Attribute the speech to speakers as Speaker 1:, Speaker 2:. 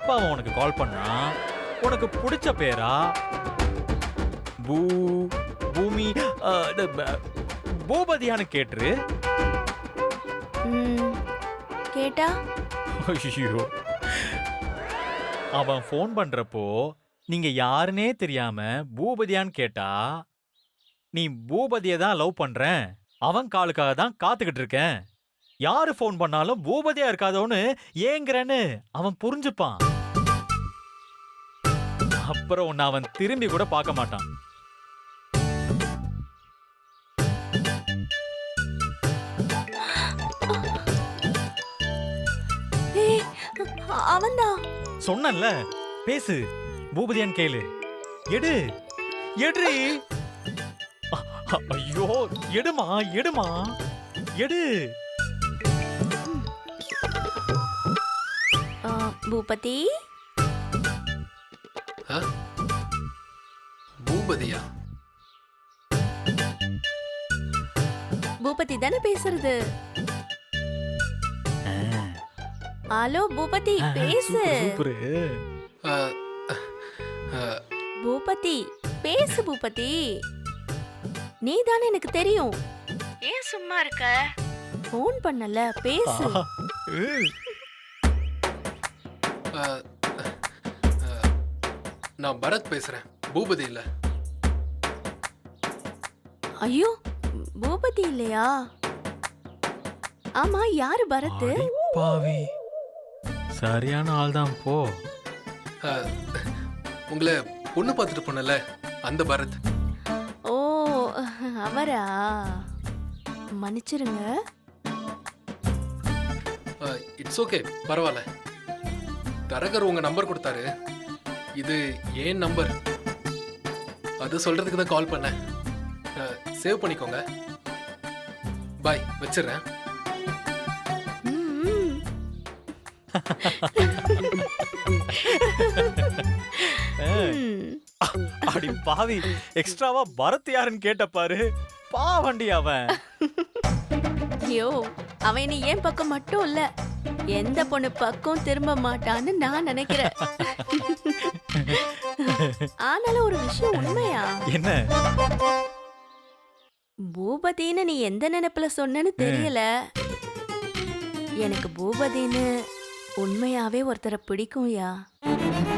Speaker 1: எப்ப அவன் உனக்கு கால் பண்ணா உனக்கு பிடிச்ச பேரா பூ பூமி பூபதியான்னு கேட்டுரு.
Speaker 2: கேட்டா
Speaker 1: ஐயோ, அவன் ஃபோன் பண்றப்போ நீங்க யாருன்னே தெரியாம பூபதியான்னு கேட்டா நீ பூபதியை தான் லவ் பண்றேன், அவன் காலுக்காக தான் காத்துக்கிட்டு இருக்கேன், யாரு ஃபோன் பண்ணாலும் பூபதியா இருக்காதோன்னு ஏங்குறேன்னு அவன் புரிஞ்சுப்பான். அப்புறம் உன்னை அவன் திரும்பி கூட பார்க்க மாட்டான்.
Speaker 2: அவன்தான்.
Speaker 1: சொன்னல, பேசு, பூபதியான்னு கேளு. எடு எடுறி. ஐயோ, எடுமா எடுமா எடு.
Speaker 2: பூபதி.
Speaker 3: பூபதியா?
Speaker 2: பூபதி தானே பேசுறது? ஹலோ பூபதி, பேசு. பூபதி பேசு. பூபதி, நீ தானே, எனக்கு தெரியும். ஏன் சும்மா இருக்க? ஃபோன் பண்ணல, பேசு.
Speaker 3: நான் பரத் பேசுறேன், பூபதி இல்ல.
Speaker 2: ஐயோ, பூபதி இல்லையா? ஆமா, யாரு பரத்?
Speaker 1: பாவி, சரியான ஆள் தான். போ.
Speaker 3: உங்களை பொண்ணு பார்த்துட்டு போனல, அந்த பரத்.
Speaker 2: ஓ, அவரா? மன்னிச்சிருங்க.
Speaker 3: இட்ஸ் ஓகே, பரவாயில்ல. தரகர் உங்க நம்பர் கொடுத்தாரு, இது ஏன் நம்பர், அது சொல்றதுக்கு தான் கால் பண்ணேன். சேவ் பண்ணிக்கோங்க. பாய், வச்சிடுறேன்.
Speaker 1: அடி பாவி, எக்ஸ்ட்ராவா பரத் யாருன்னு கேட்ட பாரு. பாவண்டி அவன்.
Speaker 2: ஐயோ, அவன் நீ ஏன் பக்கம் மட்டும் இல்ல, எந்த பொண்ணு பக்கம் திரும்ப மாட்டான்னு நான் நினைக்கிறேன். ஆனாலும் ஒரு விஷயம் உண்மையா?
Speaker 1: என்ன?
Speaker 2: பூபதின்னு நீ எந்த நினைப்புல சொன்னன்னு தெரியல. எனக்கு பூபதின்னு உண்மையாவே ஒருத்தரை பிடிக்கும்யா.